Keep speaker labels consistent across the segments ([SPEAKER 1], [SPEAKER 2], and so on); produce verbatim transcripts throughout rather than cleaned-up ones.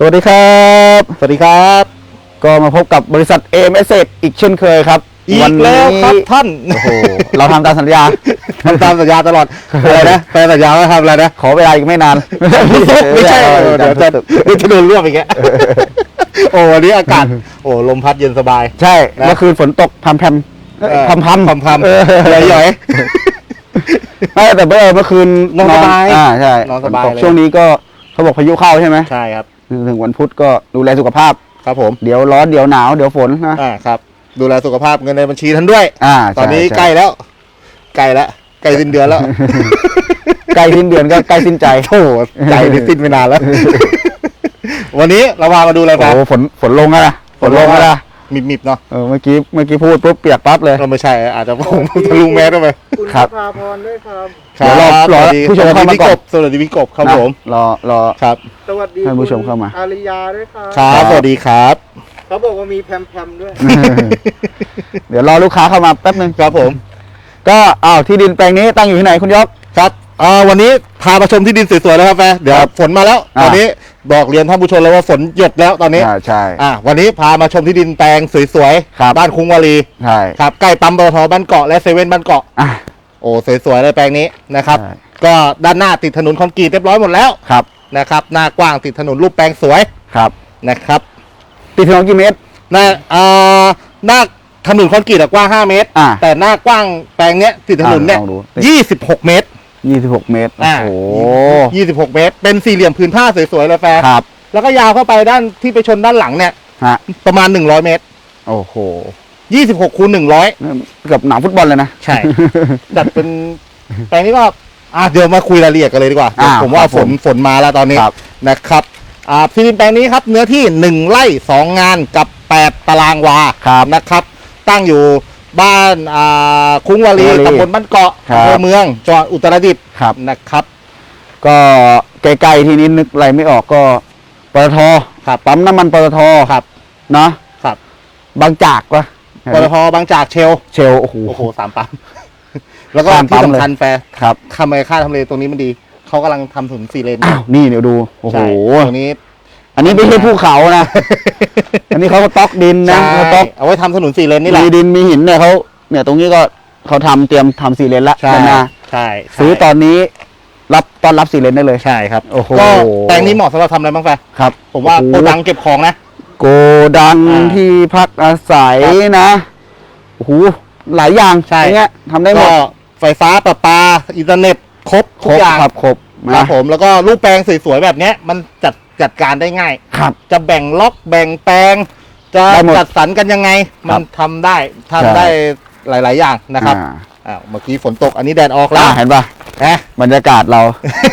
[SPEAKER 1] สวัสดีครับสวัสดีครับก็มาพบกับบริษัท เอ เอ็ม เอส อีกเช่นเคยครับ
[SPEAKER 2] อีกแล้วครับท่าน
[SPEAKER 1] โอ้โหเราทำตามสัญญา
[SPEAKER 2] ทำตามสัญญาตลอดอะไรนะแปลสัญญาว่าทำอะไรนะ
[SPEAKER 1] ขอเวลาอีกไม่นาน
[SPEAKER 2] ไม่ใช่เดี๋ยวจะจะโดนรวบอีกแกโอ้วันนี้อากาศโอ้ลมพัดเย็นสบาย
[SPEAKER 1] ใช่เมื่อคืนฝนตกพรำพรำพรำพรำ
[SPEAKER 2] พรำพรำใหญ่
[SPEAKER 1] ๆไม่แต่เมื่อคืน
[SPEAKER 2] นอนสบาย
[SPEAKER 1] อ่าใช่
[SPEAKER 2] นอนสบาย
[SPEAKER 1] ช่วงนี้ก็เขาบอกพายุเข้าใช่ไหม
[SPEAKER 2] ใช่ครับ
[SPEAKER 1] ถึงวันพุธก็ดูแลสุขภาพ
[SPEAKER 2] ครับผม
[SPEAKER 1] เดี๋ยวร้อนเดี๋ยวหนาวเดี๋ยวฝนนะ
[SPEAKER 2] อ่าครับดูแลสุขภาพเงินในบัญชีท่านด้วย
[SPEAKER 1] อ่า
[SPEAKER 2] ตอนนี้ใกล้แล้วใกล้แล้วใกล้สิ้นเดือนแล้ว
[SPEAKER 1] ใกล้สิ้นเดือนก็ใกล้สิ้นใจ
[SPEAKER 2] โอ้ใจนี่สิ้นไปนานแล้ววันนี้เรามามาดูอะไรกัน
[SPEAKER 1] โอ้ฝนฝนลงแล้วนะฝนลงแล้วนะ
[SPEAKER 2] มิบๆเนาะ
[SPEAKER 1] เออเมื่อกี้เมื่อกี้พูดปุ๊บเปียกปั๊บเลย
[SPEAKER 2] เราไม่ใช่อาจจะผมทะลุแมสเข้าไป
[SPEAKER 3] คุณพาพรด้วยครับ
[SPEAKER 1] เดี๋ยวรอรอผู้ชมเข้ามาก่อน
[SPEAKER 2] สวัสดีพี่กบครับผม
[SPEAKER 1] รอรอ
[SPEAKER 2] ครับ
[SPEAKER 3] สวัสดี
[SPEAKER 1] ท่านผู้ชมเข้ามา
[SPEAKER 3] อาริยาด้วยครับ
[SPEAKER 2] ครับสวัสดีครับ
[SPEAKER 3] เขาบอกว่ามีแพมๆด้วย
[SPEAKER 1] เดี๋ยวรอลูกค้าเข้ามาแป๊บนึง
[SPEAKER 2] ครับผม
[SPEAKER 1] ก็อ้าวที่ดินแปลงนี้ตั้งอยู่ที่ไหนคุณยศ
[SPEAKER 2] ครับอ่าวันนี้พามาชมที่ดินสวยๆแล้วครับแฟเดี๋ยวฝนมาแล้วตอนนี้บอกเรียนท่านผู้ชมแล้วว่าฝนหยดแล้วตอนนี้
[SPEAKER 1] ใช่
[SPEAKER 2] อ่าวันนี้พามาชมที่ดินแปลงสวยๆบ้านคุ้งวารี
[SPEAKER 1] ใช่
[SPEAKER 2] ครับใกล้ปั๊มปตทบ้านเกาะและเซเว่นบ้านเกาะโอ้สวยๆเลยแปลงนี้นะครับก็ด้านหน้าติดถนนคอนกรีตเรียบร้อยหมดแล้ว
[SPEAKER 1] ครับ
[SPEAKER 2] นะครับหน้ากว้างติดถนนรูปแปลงสวย
[SPEAKER 1] ครับ
[SPEAKER 2] นะครับ
[SPEAKER 1] ติดถนนกี่เมตร
[SPEAKER 2] หน้าอ่าหน้าถนนคอนกรีตกว้างห้าเมตรแต่หน้ากว้างแปลงเนี้ยติดถนนเนี้ยยี่สิบหกเมตร
[SPEAKER 1] ยี่สิบหกเมตรโอ้โห
[SPEAKER 2] ยี่สิบหกเมตรเป็นสี่เหลี่ยมผืนผ้าสวยๆเลยแฟร์
[SPEAKER 1] ครับ
[SPEAKER 2] แล้วก็ยาวเข้าไปด้านที่ไปชนด้านหลังเนี่ยประมาณหนึ่งร้อยเมตร
[SPEAKER 1] โอ้โห
[SPEAKER 2] ยี่สิบหกคูณหนึ่งร้อย
[SPEAKER 1] เกือบหนังฟุตบอลเลยนะ
[SPEAKER 2] ใช่จัดเป็นแปลงนี้ก็อ่ะเดี๋ยวมาคุยรายละเอียดกันเลยดีกว่าผมว่าฝนฝนมาแล้วตอนนี้นะครับอ่าที่ดินแปลงนี้ครับเนื้อที่หนึ่งไร่สองงานกับแปดตารางวานะครับตั้งอยู่บ้านอ่าคุ้งวารีตำบลบ้านเกาะอำเภอเมืองจังหวัดอุตรดิตถ์นะครับ
[SPEAKER 1] ก็ใกล้ๆที่นี้นึกอะไรไม่ออกก็ปตทปั๊มน้ำมันปตท
[SPEAKER 2] ครับ
[SPEAKER 1] นะครับบางจากวะ
[SPEAKER 2] ปตทบางจากเชล
[SPEAKER 1] เชลโอ้โห
[SPEAKER 2] โอ้โหสามปั๊มแล้วก็ที่สำคัญแฟร์
[SPEAKER 1] ครับ
[SPEAKER 2] ทำไมค่าทำเลตรงนี้มันดีเขากำลังทำถนนสี่เลน
[SPEAKER 1] อ้าวนี่เดี๋ยวดูโอ้โห
[SPEAKER 2] ตรงนี้
[SPEAKER 1] อันนี้ไม่ใช่ภูเขานะอันนี้เขาก็ต๊อกดินนะเขาต๊อก
[SPEAKER 2] เอาไว้ทำถนนสี่เลนนี่แหละ
[SPEAKER 1] มีดินมีหินเนี่ยเขาเนี่ยตรงนี้ก็เขาทำเตรียมทำสี่เลนละ
[SPEAKER 2] ใช่ใช่
[SPEAKER 1] ซื้อตอนนี้รับตอนรับสี่เลนได้เลย
[SPEAKER 2] ใช่ครับ
[SPEAKER 1] โอ้โห
[SPEAKER 2] ก็แปลงนี้เหมาะสำหรับทำอะไรบ้างแฟ
[SPEAKER 1] ครับ
[SPEAKER 2] ผมว่าโกดังเก็บของนะ
[SPEAKER 1] โกดังที่พักอาศัยนะโอ้โหหลายอย่าง
[SPEAKER 2] ใช่
[SPEAKER 1] เงี้ยทำได้หมด
[SPEAKER 2] ไฟฟ้าประปาอินเทอร์เน็ตครบทุกอย่าง
[SPEAKER 1] ครับครบ
[SPEAKER 2] ครับผมแล้วก็รูปแปลงสวยๆแบบนี้มันจัดจัดการได้ง่าย
[SPEAKER 1] ครับ
[SPEAKER 2] จะแบ่งล็อกแบ่งแปลงจะจัดสรรกันยังไงมันทำได้ทำได้หลายๆอย่างนะครับอ้าวเมื่อกี้ฝนตกอันนี้แดดออกแล้ว
[SPEAKER 1] เห็นป่ะ
[SPEAKER 2] นะ
[SPEAKER 1] บรรยากาศเรา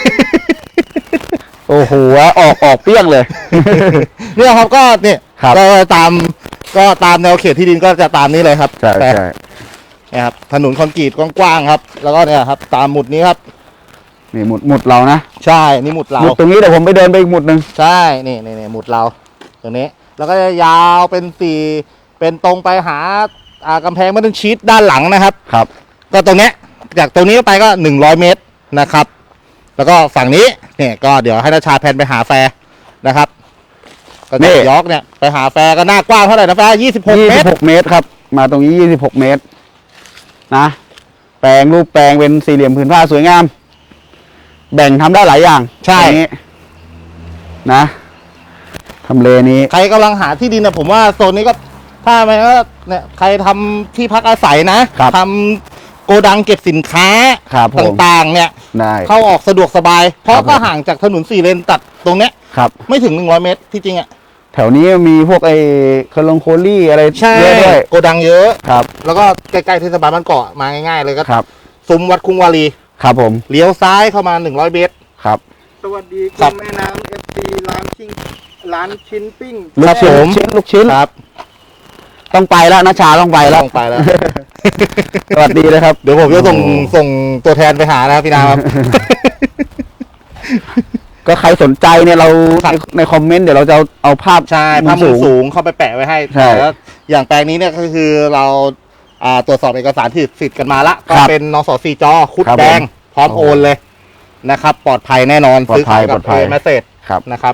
[SPEAKER 1] โอ้โหออกออกเปี้ยงเลย
[SPEAKER 2] เนี่ยครับก็เนี่ยก็ตามก็ตามแนวเขตที่ดินก็จะตามนี้เลยครับ
[SPEAKER 1] ใช่ใช่
[SPEAKER 2] นะครับถนนคอนกรีตกว้างๆครับแล้วก็เนี่ยครับตามหมุดนี้ครับ
[SPEAKER 1] นี่หมุดหมุดเรานะ
[SPEAKER 2] ใช่นี่หมุดเรา
[SPEAKER 1] หมุดตรงนี้เดี๋ยวผมไปเดินไปอีกหมุดหนึ่ง
[SPEAKER 2] ใช่นี่นี่นี่หมุดเราตรงนี้แล้วก็จะยาวเป็นสี่เป็นตรงไปหาอ่ากำแพงมัตตันชีทด้านหลังนะครับ
[SPEAKER 1] ครับ
[SPEAKER 2] ก็ตรงเนี้ยจากตรงนี้ไปก็หนึ่งร้อยเมตรนะครับแล้วก็ฝั่งนี้เนี่ยก็เดี๋ยวให้นาชาแพนไปหาแฟร์นะครับก็จะยกเนี่ยไปหาแฟร์ก็หน้ากว้างเท่าไหร่นะแฟร์ยี่สิบหกเมตร
[SPEAKER 1] ยี่สิบหกเมตรครับมาตรงนี้ยี่สิบหกเมตรนะแปลงรูปแปลงเป็นสี่เหลี่ยมผืนผ้าสวยงามแบ่งทำได้หลายอย่าง
[SPEAKER 2] ใช่
[SPEAKER 1] นะทำเลนี้
[SPEAKER 2] ใครกำลังหาที่ดินนะผมว่าโซนนี้ก็ถ้าไม่ก็เนี่ยใครทำที่พักอาศัยนะทำโกดังเก็บสินค้าต่างๆเนี่ยเข้าออกสะดวกสบายเพราะก็ห่างจากถนนสี่เลนตัดตรงเนี้ยไม่ถึงหนึ่งร้อยเมตรที่จริงอ่ะ
[SPEAKER 1] แถวนี้มีพวกไอ้คลองโคลี่อะไรเยอะด้วย
[SPEAKER 2] โกดังเยอะ
[SPEAKER 1] ครับ
[SPEAKER 2] แล้วก็ใกล้ๆเทศบาลบ้านเกาะมาง่ายๆเลยก็
[SPEAKER 1] ครับ
[SPEAKER 2] ซุ้มวัดคุ้งวารี
[SPEAKER 1] ครับผม
[SPEAKER 2] เลี้ยวซ้ายเข้ามาหนึ่งร้อยเมตร
[SPEAKER 1] ครับ
[SPEAKER 3] สวัสดีคุณแม่น้ำเอฟซีร้านชิ้นร้านชิ้นปิ้ง
[SPEAKER 1] ลูกชิ้นลูกชิ้น
[SPEAKER 2] ครับ
[SPEAKER 1] ต้องไปแล้วนะชาต้องไปแล้ว
[SPEAKER 2] ต้องไปแล้ว
[SPEAKER 1] สวัสดีนะครับ
[SPEAKER 2] เดี๋ยวผมจะส่งส่งตัวแทนไปหานะครับพี่นาครับ
[SPEAKER 1] ก็ใครสนใจเนี่ยเราในคอมเมนต์เดี๋ยวเราจะเอาภาพ
[SPEAKER 2] ใช่ภาพมุมสูงเข้าไปแปะไว้ให้แล้วอย่างแปลงนี้เนี่ยก็คือเราตรวจสอบเอกสารที่สิทธิ์กันมาละก็เป็นนสสี่จคุดแดงพร้อมโอนเลยนะครับปลอดภัยแน่นอน
[SPEAKER 1] ซื้อขาย
[SPEAKER 2] กับเมสเซจนะครับ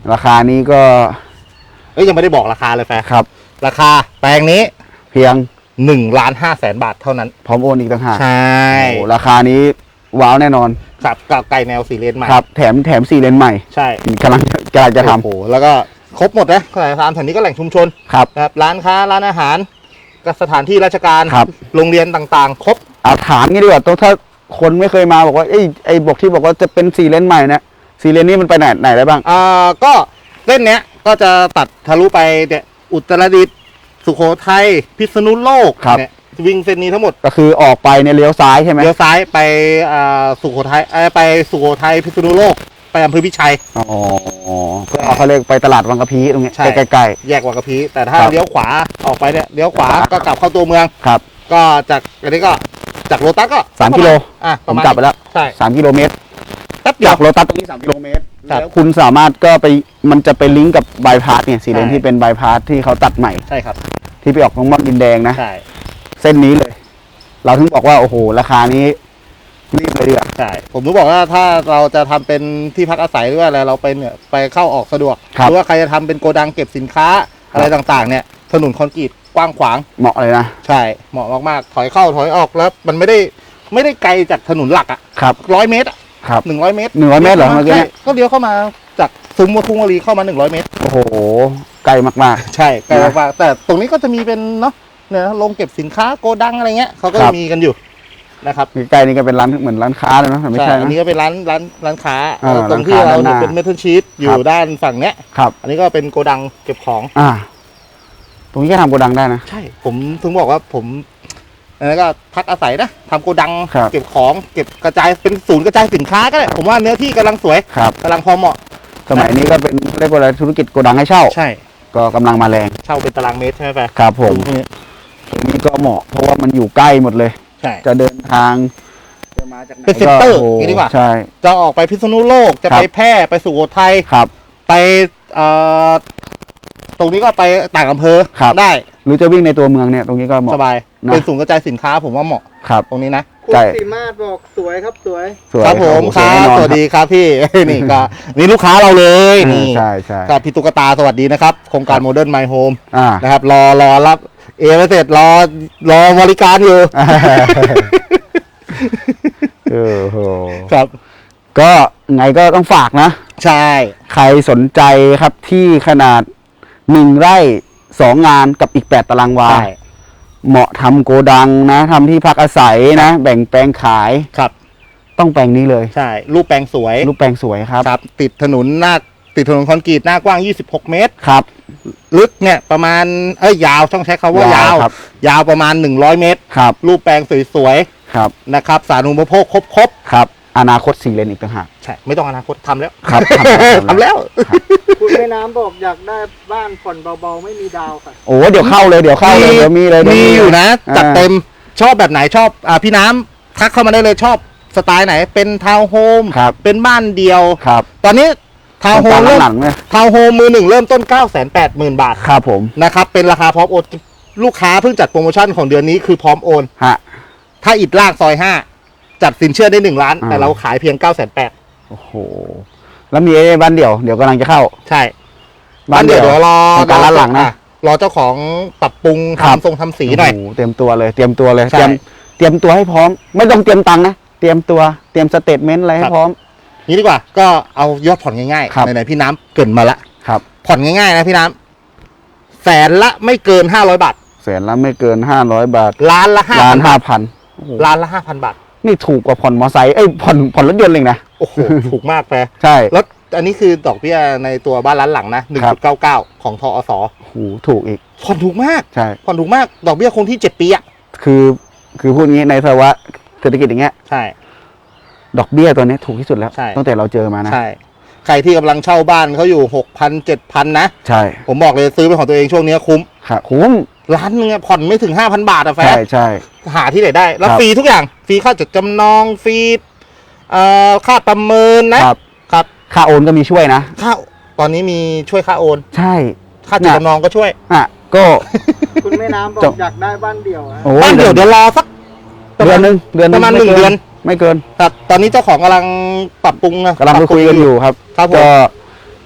[SPEAKER 1] ราคานี้ก็
[SPEAKER 2] เอ้ยยังไม่ได้บอกราคาเลยแฟร์
[SPEAKER 1] ครับ
[SPEAKER 2] ราคาแปลงนี้
[SPEAKER 1] เพียง
[SPEAKER 2] หนึ่งล้านห้าแสนบาทเท่านั้น
[SPEAKER 1] พร้อมโอนอีกต่างหาก
[SPEAKER 2] ใช่
[SPEAKER 1] โอ้ราคานี้ว้าวแน่นอน
[SPEAKER 2] ครับกับไก่แนวสี่เลนใหม่
[SPEAKER 1] ครับ แถมแถมสี่เลนใหม่
[SPEAKER 2] ใช่
[SPEAKER 1] กำลังกำลังจะท
[SPEAKER 2] โอ้โหแล้วก็ครบหมดนะสถานแถวนี้ก็แหล่งชุมชน
[SPEAKER 1] ำครับ
[SPEAKER 2] นะครับร้านค้าร้านอาหารก็สถานที่ราชการ
[SPEAKER 1] ครับ
[SPEAKER 2] โรงเรียนต่างๆ ครบ
[SPEAKER 1] เอาถามงี้ดีกว่าต้องถ้าคนไม่เคยมาบอกว่าไอ้ยไอ้บอกที่บอกว่าจะเป็นสี่เลนใหม่เนี่ยสี่เลนนี้มันไปไหนไหนได้บ้าง
[SPEAKER 2] อ่าก็เส้นเนี้ยก็จะตัดทะลุไปเนี่ยอุตรดิตถ์สุโขทัยพิษณุโลก
[SPEAKER 1] ครับ
[SPEAKER 2] เนี่ยวิ่งเส้นนี้ทั้งหมด
[SPEAKER 1] ก็คือออกไปเนี่ยเลี้ยวซ้ายใช่ไหม
[SPEAKER 2] เลี้ยวซ้ายไปอ่าสุโขทัยเอ้ยไปสุโขทัยพิษณุโลกไปอำเภอพิชัย
[SPEAKER 1] อ๋อก็เขาเรียกไปตลาดวังกะพีตรงเนี้ย
[SPEAKER 2] ใช่
[SPEAKER 1] ใกล้
[SPEAKER 2] แยกวังกะพีแต่ถ้า
[SPEAKER 1] ครับ
[SPEAKER 2] เลี้ยวขวาออกไปเนี่ยเลี้ยวขวา
[SPEAKER 1] ครับ
[SPEAKER 2] ก็กลับเข้าตัวเมือง
[SPEAKER 1] ๆครับ
[SPEAKER 2] ก็จากอันนี้ก็จากโลตัสก็
[SPEAKER 1] สามกิโล
[SPEAKER 2] อ่ะ
[SPEAKER 1] ผ
[SPEAKER 2] ประ
[SPEAKER 1] ม
[SPEAKER 2] มาณ
[SPEAKER 1] จับไปแล้ว
[SPEAKER 2] ใช่
[SPEAKER 1] สามกิโลเมตร
[SPEAKER 2] แป๊บเดีย
[SPEAKER 1] จาว กโลตัสตรงนี้สามกิโลเมตร
[SPEAKER 2] ครับ
[SPEAKER 1] แล้วคุณสามารถก็ไปมันจะไปลิงก์กับบายพาสเนี่ยสี่เลน
[SPEAKER 2] ใช่
[SPEAKER 1] ที่เป็นบายพาสที่เขาตัดใหม่
[SPEAKER 2] ใช่ครับ
[SPEAKER 1] ที่ไปออกตรงม่อนดินแดงนะ
[SPEAKER 2] ใช่
[SPEAKER 1] เส้นนี้เลย เราถึงบอกว่าโอ้โหราคานี้รีบเลยเดือ
[SPEAKER 2] ใช่ผมรู้บอกว่าถ้าเราจะทำเป็นที่พักอาศัยหรือว่าอะไรเราไปเนี่ยไปเข้าออกสะดวก
[SPEAKER 1] ครับ
[SPEAKER 2] หรือว่าใครจะทำเป็นโกดังเก็บสินค้าอะไรต่างๆ เนี่ยถนนคอนกรีตกว้างขวาง
[SPEAKER 1] เหมาะเลยนะ
[SPEAKER 2] ใช่เหมาะมากๆถอยเข้าถอยออกแล้วมันไม่ได้ไม่ได้ไกลจากถนนหลักอ่ะ
[SPEAKER 1] ครับ
[SPEAKER 2] ร้อยเมตรอะ
[SPEAKER 1] ครับ
[SPEAKER 2] หนึ่งร้อยเมตร
[SPEAKER 1] หนึ่งร้อยเมตรเหรอเมื่อกี้
[SPEAKER 2] ใช่ก็เลี้ยวเข้ามาจากซุ้มวัดทุ่งวรีเข้ามาหนึ่งร้อยเมตร
[SPEAKER 1] โอ้โหไกลมาก
[SPEAKER 2] ใช่ไกล
[SPEAKER 1] นะ
[SPEAKER 2] มากๆแต่ตรงนี้ก็จะมีเป็นเนาะเนี่ยโรงเก็บสินค้าโกดังอะไรเงี้ยเขาก็
[SPEAKER 1] ครับ
[SPEAKER 2] มีกันอยู่นะครับ
[SPEAKER 1] ๆใกล้ๆนี่ก็เป็นร้านเหมือนร้านค้าเลยนะแต่ไม่ใช่
[SPEAKER 2] อัน
[SPEAKER 1] นะ
[SPEAKER 2] นี้ก็เป็นร้านร้านร้านค้า
[SPEAKER 1] อ่า
[SPEAKER 2] ตรงที่
[SPEAKER 1] ร้านค้า
[SPEAKER 2] เรา
[SPEAKER 1] ด้านหน้า
[SPEAKER 2] เป็นเมทัลชีตอยู่
[SPEAKER 1] ครับ
[SPEAKER 2] ด้านฝั่งเนี้ย
[SPEAKER 1] ครับ
[SPEAKER 2] อันนี้ก็เป็นโกดังเก็บของ
[SPEAKER 1] อ่า ตรงนี้ก็ทำโกดังได้นะ
[SPEAKER 2] ใช่ ผมถึงบอกว่าผมอันนั้นก็พักอาศัยนะทำโกดัง
[SPEAKER 1] ครับ
[SPEAKER 2] เก็บของเก็บกระจายเป็นศูนย์กระจายสินค้าก็ได้ผมว่าเนื้อที่กำลังสวย
[SPEAKER 1] ครับ
[SPEAKER 2] กำลังพอเหมาะ
[SPEAKER 1] สมัยนี้ก็เป็นเรียกว่าอะไรธุรกิจโกดังให้เช่า
[SPEAKER 2] ใช่
[SPEAKER 1] ก็กำลังมาแรง
[SPEAKER 2] เช่าเป็นตารางเมตรใช่ไหมแฟร์
[SPEAKER 1] ครับผม
[SPEAKER 2] ตรงนี้
[SPEAKER 1] ตรงนี้ก็เหมาะเพราะว่ามันอยู่ใกล้หมดเลย
[SPEAKER 2] ใช่
[SPEAKER 1] จะเดินทางจะมาจากไหน
[SPEAKER 2] เป็นเซ็นเตอร์
[SPEAKER 1] โโห
[SPEAKER 2] อย่างนี้ดีกว่า
[SPEAKER 1] ใช่
[SPEAKER 2] จะออกไปพิษณุโลกจะ
[SPEAKER 1] ครับ
[SPEAKER 2] ไปแพร่ไปสุโขทัย
[SPEAKER 1] ครับ
[SPEAKER 2] ไปเอ่อตรงนี้ก็ไปต่างอำเภอ
[SPEAKER 1] ครับ
[SPEAKER 2] ได้
[SPEAKER 1] หรือจะวิ่งในตัวเมืองเนี่ยตรงนี้ก็เหมาะ
[SPEAKER 2] สบาย
[SPEAKER 1] นะ
[SPEAKER 2] เป็นศูนย์กระจายสินค้าผมว่าเหมาะ
[SPEAKER 1] ครับ
[SPEAKER 2] ตรงนี้นะ
[SPEAKER 3] คุณ
[SPEAKER 1] ใช่
[SPEAKER 3] สีมาศบอกสวยครับสวย
[SPEAKER 1] สวย
[SPEAKER 2] ครับผม
[SPEAKER 1] โอ้โห
[SPEAKER 2] ครั
[SPEAKER 1] แน่
[SPEAKER 2] บ
[SPEAKER 1] นอน
[SPEAKER 2] สวัสดีครับพี่ นี่ก็นี่ลูกค้าเราเลย
[SPEAKER 1] ครับ
[SPEAKER 2] นี่
[SPEAKER 1] ใช่ใช่
[SPEAKER 2] กับพี่ตุ๊กตาสวัสดีนะครับ โครงการโมเดิร์นไมโฮม
[SPEAKER 1] อ่า
[SPEAKER 2] นะครับ รอรอรับเอไม่เสร็จรอรอบริการอยู่
[SPEAKER 1] เออโห
[SPEAKER 2] ครับ
[SPEAKER 1] ก็ไงก็ต้องฝากนะ
[SPEAKER 2] ใช่
[SPEAKER 1] ใครสนใจครับที่ขนาดหนึ่งไร่สองงานกับอีกแปดตารางวา
[SPEAKER 2] ใช่
[SPEAKER 1] เหมาะทำโกดังนะทำที่พักอาศัยนะ แบ่งแปลงขาย
[SPEAKER 2] ครับ
[SPEAKER 1] ต้องแปลงนี้เลย
[SPEAKER 2] ใช่ รูปแปลงสวย
[SPEAKER 1] รูปแปลงสวยครับ
[SPEAKER 2] ครับ ติดถนนหน้าติดถนนคอนกรีตหน้ากว้างยี่สิบหกเมตร
[SPEAKER 1] ครับ
[SPEAKER 2] ลึกเนี่ยประมาณเอ้ยยาวต้องใช้คำว่ายาว
[SPEAKER 1] ครับ
[SPEAKER 2] ยาวประมาณหนึ่งร้อยเมตร
[SPEAKER 1] ครับ
[SPEAKER 2] รูปแปลงสวย
[SPEAKER 1] ครับ
[SPEAKER 2] ๆนะครับ สาธารณูปโภคครบครบ
[SPEAKER 1] ครับอนาคตสี่เลนอีกต่างหาก
[SPEAKER 2] ๆใช่ ไม่ต้องอนาคตทำแล้ว
[SPEAKER 1] ครับ
[SPEAKER 2] ทำแล้ว
[SPEAKER 3] คุณแม่น้ำบอกอยากได้บ้านผ่อนเบาๆไม่มีดาวค่ะ
[SPEAKER 1] โอ้เดี๋ยวเข้าเลยเดี๋ยวเข้าเลยเดี๋ยวมีเลยเดี๋ว
[SPEAKER 2] มีอยู่นะ
[SPEAKER 1] า
[SPEAKER 2] จัดเต็มชอบแบบไหนชอบอ่าพี่น้ำทักเข้ามาได้เลยชอบสไตล์ไหน เป็นทาวน์โฮม
[SPEAKER 1] ครับ
[SPEAKER 2] เป็นบ้านเดียว
[SPEAKER 1] ครับ
[SPEAKER 2] ตอนนี้ทาวน์โฮม
[SPEAKER 1] ต
[SPEAKER 2] เริ่ม
[SPEAKER 1] หลังๆเนี่ย
[SPEAKER 2] ทาวน์โฮมมือหนึ่งเริ่มต้น เก้าแสนแปดหมื่น บาท
[SPEAKER 1] ครับผม
[SPEAKER 2] นะครับเป็นราคาพร้อมโอนลูกค้าเพิ่งจัดโปรโมชั่นของเดือนนี้คือพร้อมโอน
[SPEAKER 1] ฮะ
[SPEAKER 2] ถ้าอิดล่างซอยห้าจัดสินเชื่อได้หนึ่งล้าน
[SPEAKER 1] อ่า
[SPEAKER 2] แต่เราขายเพียง เก้าแสนแปด
[SPEAKER 1] โอ้โหแล้วมีไอ้บ้านเดี่ยวเดี๋ยวกำลังจะเข้า
[SPEAKER 2] ใช่บ้านเดี๋ยวเดี๋ยวรอ
[SPEAKER 1] โครงการร้านหลังนะ
[SPEAKER 2] อ่รอเจ้าของปรับปรุง
[SPEAKER 1] ครับ
[SPEAKER 2] ทำทรงทำสีหน่อย
[SPEAKER 1] โโเตรียมตัวเลยเตรียมตัวเลย
[SPEAKER 2] ใช่
[SPEAKER 1] เตรียมเตรียมตัวให้พร้อม ไม่ต้องเตรียมตังค์นะเตรียมตัวเตรียมสเตทเมนต์อะไรให้
[SPEAKER 2] ครับ
[SPEAKER 1] พร้อม
[SPEAKER 2] นี้ดีกว่าก็เอายอดผ่อนง่าย
[SPEAKER 1] ครับ
[SPEAKER 2] ๆไหนๆพี่น้ำเกรินมาละ
[SPEAKER 1] ครับ
[SPEAKER 2] ผ่อนง่ายๆนะพี่น้ำแสนละไม่เกินห้าร้อยบาท
[SPEAKER 1] แสนละไม่เกินห้าร้อยบาท
[SPEAKER 2] ล้านละห้า
[SPEAKER 1] ล้า
[SPEAKER 2] พั
[SPEAKER 1] น
[SPEAKER 2] น
[SPEAKER 1] ห้า
[SPEAKER 2] บาท
[SPEAKER 1] พัน
[SPEAKER 2] ล้านละห้าพันบาท
[SPEAKER 1] นี่ถูกกว่าผ่อนมอไซค์เอ้ยผ่อนผ่อนรถยนต์เลยนะ
[SPEAKER 2] โอ้โห ถูกมากแฟร์
[SPEAKER 1] ใช่
[SPEAKER 2] แล้วอันนี้คือดอกเบี้ยในตัวบ้านร้านหลังนะหนึ่ง
[SPEAKER 1] ครั
[SPEAKER 2] จุ
[SPEAKER 1] บ
[SPEAKER 2] ดเก้าเก้าของทอส
[SPEAKER 1] โอ้โหถูกอีก
[SPEAKER 2] ผ่อนถูกมาก
[SPEAKER 1] ใช่
[SPEAKER 2] ผ่อนถูกมากดอกเบี้ยคงที่เจ็ดปีอ่ะ
[SPEAKER 1] คือคือพูดงี้ในภาวะเศรษฐกิจอย่างเงี้ย
[SPEAKER 2] ใช่
[SPEAKER 1] ดอกเบี้ยตัวนี้ถูกที่สุดแล้ว
[SPEAKER 2] ใช่
[SPEAKER 1] ตั้งแต่เราเจอมานะ
[SPEAKER 2] ใช่ใครที่กำลังเช่าบ้านเขาอยู่หกพันเจ็ดพันนะ
[SPEAKER 1] ใช่
[SPEAKER 2] ผมบอกเลยซื้อเป็นของตัวเองช่วงนี้คุ้ม
[SPEAKER 1] ค่ะคุ้ม
[SPEAKER 2] ล้านหนึงอะผ่อนไม่ถึงห้าพันบาทอะแฟ
[SPEAKER 1] ใช่
[SPEAKER 2] ร์
[SPEAKER 1] ใช่
[SPEAKER 2] หาที่ไหนได้ แล้ว
[SPEAKER 1] ครับ
[SPEAKER 2] ฟรีทุกอย่างฟรีค่าจดจำนองฟรีเอ่อค่าประเมินนะครับ ครับ
[SPEAKER 1] ค่าโอนก็มีช่วยนะ
[SPEAKER 2] ค่าตอนนี้มีช่วยค่าโอน
[SPEAKER 1] ใช่
[SPEAKER 2] ค่าจดจำนองก็ช่วย
[SPEAKER 1] อ่ะก็
[SPEAKER 3] คุณแม่น้ำบอ
[SPEAKER 1] จ
[SPEAKER 3] ก
[SPEAKER 1] บ
[SPEAKER 3] อยากได้บ้านเดี่ยวอะ
[SPEAKER 1] โอ้
[SPEAKER 2] บ้านเดี๋ยวเดี๋ยวรอสัก
[SPEAKER 1] เดือนหนึงเดือน
[SPEAKER 2] ประมาณ
[SPEAKER 1] ไ
[SPEAKER 2] หนึ่งเดือน
[SPEAKER 1] ไม่เกิน
[SPEAKER 2] ครับตอนนี้เจ้าของกำลังปรับปรุงนะ
[SPEAKER 1] กำลังไปคุยกันอยู่ครับ
[SPEAKER 2] ครับผม
[SPEAKER 1] ก็จ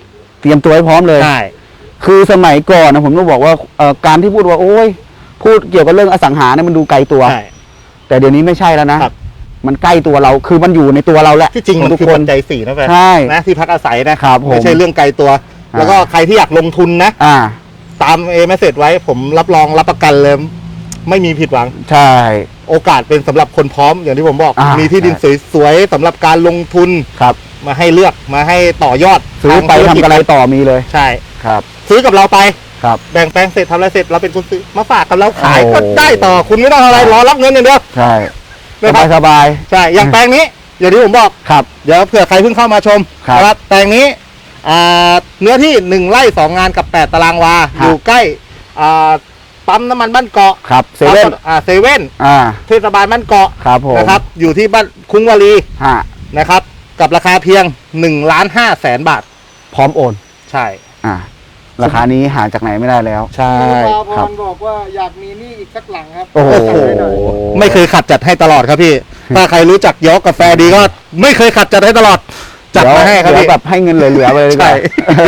[SPEAKER 1] รียมตัวให้พร้อมเลย
[SPEAKER 2] ใช่
[SPEAKER 1] คือสมัยก่อนนะผมต้องบอกว่าเอ่อการที่พูดว่าโอ้ยพูดเกี่ยวกับเรื่องอสังหาเนี่ยมันดูไกลตัว
[SPEAKER 2] ใช่
[SPEAKER 1] แต่เดี๋ยวนี้ไม่ใช่แล้วนะครับ มันใกล้ตัวเราคือมันอยู่ในตัวเราแหละ
[SPEAKER 2] ที่จริงมัน
[SPEAKER 1] ทุก
[SPEAKER 2] คือ
[SPEAKER 1] ค
[SPEAKER 2] ปั
[SPEAKER 1] น
[SPEAKER 2] จจัยสี่นะแฟน
[SPEAKER 1] ใช่
[SPEAKER 2] นะที่พักอาศัยนะครับ
[SPEAKER 1] ผม
[SPEAKER 2] ไม่ใช่เรื่องไกลตัว
[SPEAKER 1] อ่า
[SPEAKER 2] แล้วก็ใครที่อยากลงทุนนะ
[SPEAKER 1] อ่า
[SPEAKER 2] ตามเอเมสเซจไว้ผมรับรองรับประกันเลยไม่มีผิดหวัง
[SPEAKER 1] ใช่
[SPEAKER 2] โอกาสเป็นสำหรับคนพร้อมอย่างที่ผมบอก
[SPEAKER 1] อ่ามี
[SPEAKER 2] มีที่ดินสวยๆสำหรับการลงทุน
[SPEAKER 1] ครับ
[SPEAKER 2] มาให้เลือกมาให้ต่อยอด
[SPEAKER 1] ซื้อไป
[SPEAKER 2] างธุ
[SPEAKER 1] ทำ
[SPEAKER 2] จ
[SPEAKER 1] อะไรต่อมีเลย
[SPEAKER 2] ใช่
[SPEAKER 1] ครับ
[SPEAKER 2] ซื้อกับเราไป
[SPEAKER 1] ครับ
[SPEAKER 2] แบ่งแปลงเสร็จทำอะไรเสร็จเราเป็นคนซื้อมาฝากกับเราขาย
[SPEAKER 1] โอ้
[SPEAKER 2] ก็ได้ต่อคุณไม่ต้องอะไรรอรับเงินอย่างเดียว
[SPEAKER 1] ใช่
[SPEAKER 2] นะ
[SPEAKER 1] ส
[SPEAKER 2] ครับ
[SPEAKER 1] บายสบาย
[SPEAKER 2] ใช่อย่างแปลงนี้อย่างที่ผมบอก
[SPEAKER 1] ครับ
[SPEAKER 2] เดี๋ยวเผื่อใครเพิ่งเข้ามาชม
[SPEAKER 1] ครับ
[SPEAKER 2] นะครับแปลงนี้อ่าเนื้อที่หนึ่งไร่สองงานกับแปดตารางวา
[SPEAKER 1] ครับ
[SPEAKER 2] อยู่ใกล้อ่าปั๊มน้ำมันบ้านเกาะ
[SPEAKER 1] ครับเซเว่น
[SPEAKER 2] อ่าเซเว่น
[SPEAKER 1] อ่า
[SPEAKER 2] เทศบาลบ้านเกาะ
[SPEAKER 1] ครับผม
[SPEAKER 2] นะครับอยู่ที่บ้านคุ้งวารี
[SPEAKER 1] ฮะ
[SPEAKER 2] นะครับกับราคาเพียงหนึ่งล้านห้าแสนบาท
[SPEAKER 1] พร้อมโอน
[SPEAKER 2] ใช่
[SPEAKER 1] อ่า ราคานี้หาจากไหนไม่ได้แล้ว
[SPEAKER 2] ใช่
[SPEAKER 3] คุณปาพ
[SPEAKER 1] ครับ
[SPEAKER 3] รบอกว่าอยากมีหนี่อีกสักหลังครับ
[SPEAKER 1] โอ้โห
[SPEAKER 3] จัดให้หน่อย
[SPEAKER 2] ไม่เคยขัดจัดให้ตลอดครับพี่ ถ้าใครรู้จักยกกาแฟดีก็ไม่เคยขัดจัดให้ตลอด จัดมาให้ครับ
[SPEAKER 1] เดี๋ยว
[SPEAKER 2] พี่
[SPEAKER 1] แบบให้เงินเหลือๆไปเลยดีกว่า
[SPEAKER 2] ใช่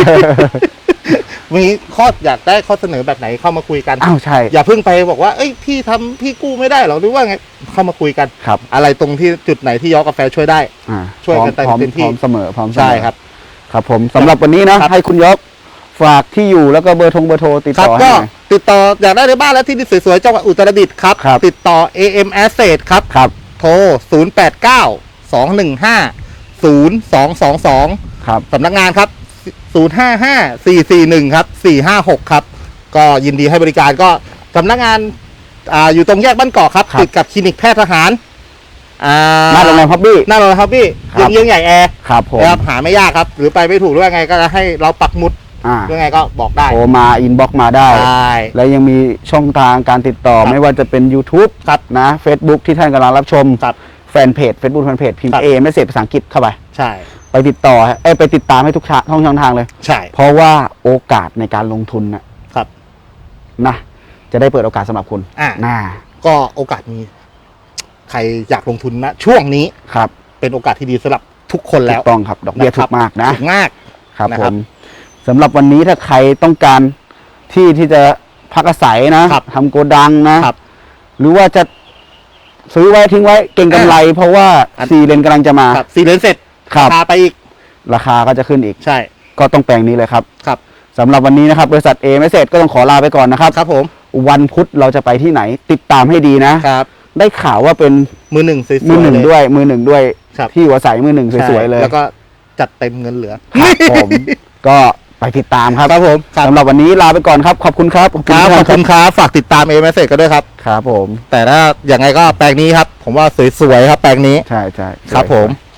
[SPEAKER 2] มีข้ออยากได้ข้อเสนอแบบไหนเข้ามาคุยกัน
[SPEAKER 1] อ้าวใช่
[SPEAKER 2] อย่าเพิ่งไปบอกว่าเอ้ยพี่ทำพี่กู้ไม่ได้หรอกหรือว่าไงเข้ามาคุยกัน
[SPEAKER 1] ครับ
[SPEAKER 2] อะไรตรงที่จุดไหนที่ยกกาแฟช่วยได้
[SPEAKER 1] อ่า
[SPEAKER 2] ช่วยกัน
[SPEAKER 1] พร้อม
[SPEAKER 2] เต็มที่
[SPEAKER 1] พร้อมเสมอพร้อมเสมอ
[SPEAKER 2] ใช่ครับ
[SPEAKER 1] ครับผมสำหรับวันนี้นะครับ ให้คุณยกฝากที่อยู่แล้วก็เบอร์โทรเบอร์โทรติด
[SPEAKER 2] ครับ
[SPEAKER 1] ต่อให้
[SPEAKER 2] ก็
[SPEAKER 1] หน่อย
[SPEAKER 2] ติดต่ออยากได้ในบ้านและที่ดินสวยๆจังหวัดอุตรดิตถ์ครับ
[SPEAKER 1] ครับ
[SPEAKER 2] ติดต่อ เอ เอ็ม Asset ครับ
[SPEAKER 1] ครับ
[SPEAKER 2] โทร ศูนย์ แปด เก้า สอง หนึ่ง ห้า ศูนย์ สอง สอง สอง
[SPEAKER 1] ครับ
[SPEAKER 2] สำนักงานครับ ศูนย์ ห้า ห้า สี่ สี่ หนึ่ง ครับ สี่ ห้า หก ครับ ก็ยินดีให้บริการก็สำนักงานอ่าอยู่ตรงแยกบ้านเกาะครับ
[SPEAKER 1] ครับ
[SPEAKER 2] ติดกับคลินิกแพทย์ทหารอ่า
[SPEAKER 1] หน้าโรงแรมพับบี้
[SPEAKER 2] หน้าโรงแรมครับพี่
[SPEAKER 1] ครับ
[SPEAKER 2] เยื้องๆใหญ่แอร์
[SPEAKER 1] ครับผม
[SPEAKER 2] นะครับหาไม่ยากครับ หรือไปไม่ถูกหรือว่าไงก็จะให้เราปักหมุด
[SPEAKER 1] อ่า
[SPEAKER 2] หรือไงก็บอกได้
[SPEAKER 1] โทรมาอินบ็อกมาได้
[SPEAKER 2] ใช่
[SPEAKER 1] และยังมีช่องทางการติดต่อ
[SPEAKER 2] ครับ
[SPEAKER 1] ไม่ว่าจะเป็น YouTube
[SPEAKER 2] ครับ
[SPEAKER 1] นะ Facebook ที่ท่านกำลังรับชม
[SPEAKER 2] ครับ
[SPEAKER 1] แฟนเพจ Facebook แฟนเพจพิม
[SPEAKER 2] ครั
[SPEAKER 1] พ์
[SPEAKER 2] บ
[SPEAKER 1] เอไม่เสร็จภาษาอังกฤษเข้าไป
[SPEAKER 2] ใช่
[SPEAKER 1] ไปติดต่อเอ้ยไปติดตามให้ทุกช่องช่องทางเลย
[SPEAKER 2] ใช่
[SPEAKER 1] เพราะว่าโอกาสในการลงทุนนะครับ นะจะได้เปิดโอกาสสำหรับคุณ
[SPEAKER 2] อ่า
[SPEAKER 1] น่า
[SPEAKER 2] ก็โอกาสมี ใครอยากลงทุนนะช่วงนี้
[SPEAKER 1] ครับ
[SPEAKER 2] เป็นโอกาสที่ดีสำหรับทุกคนแล้
[SPEAKER 1] ถู
[SPEAKER 2] ว
[SPEAKER 1] กต้องครับ ดอกเบี้ย
[SPEAKER 2] นะค
[SPEAKER 1] ถู
[SPEAKER 2] รับ
[SPEAKER 1] กมากนะ
[SPEAKER 2] ถูกมาก
[SPEAKER 1] ครับ
[SPEAKER 2] นะ
[SPEAKER 1] ผ
[SPEAKER 2] ครับ
[SPEAKER 1] มสำหรับวันนี้ถ้าใครต้องการที่ที่จะพักอาศัยนะครับ ทำโกดังนะ
[SPEAKER 2] ครับ
[SPEAKER 1] หรือว่าจะซื้อไว้ทิ้งไว้เก่งกำไร เพราะว่า
[SPEAKER 2] อัน
[SPEAKER 1] ซีเลนกำลังจะมา
[SPEAKER 2] ครับสี่เลนเสร็จ
[SPEAKER 1] ครับ
[SPEAKER 2] พาไปอีก
[SPEAKER 1] ราคาก็จะขึ้นอีก
[SPEAKER 2] ใช่
[SPEAKER 1] ก็ต้องแปลงนี้เลยครับ
[SPEAKER 2] ครับ
[SPEAKER 1] สำหรับวันนี้นะครับ บริษัทเอเมสเซจก็ต้องขอลาไปก่อนนะครับ
[SPEAKER 2] ครับผม
[SPEAKER 1] วันพุธเราจะไปที่ไหน ติดตามให้ดีนะ
[SPEAKER 2] ครับ
[SPEAKER 1] ได้ข่าวว่าเป็น
[SPEAKER 2] มือหนึ่งสวยๆ
[SPEAKER 1] มือหนึ่ง
[SPEAKER 2] เล
[SPEAKER 1] ด้วย มือหนึ่งด้วย
[SPEAKER 2] ครับ
[SPEAKER 1] ที่หัวใสมือหนึ่งสวยๆเลย
[SPEAKER 2] แล้วก็จัดเต็มเงินเหลือ
[SPEAKER 1] ครับผม ก็ไปติดตามครับ
[SPEAKER 2] ครับผมครับ
[SPEAKER 1] สำหรับวันนี้ลาไปก่อนครับ ขอบคุณครับ
[SPEAKER 2] ครับขอบคุณครับฝากติดตามเอเมสเซจกันด้วยครับ
[SPEAKER 1] ครับผม
[SPEAKER 2] แต่ถ้าอย่างไงก็แปลงนี้ครับ ผมว่าสวยๆครับแปลงนี้
[SPEAKER 1] ใช่ใช่
[SPEAKER 2] ครับผม
[SPEAKER 1] สวย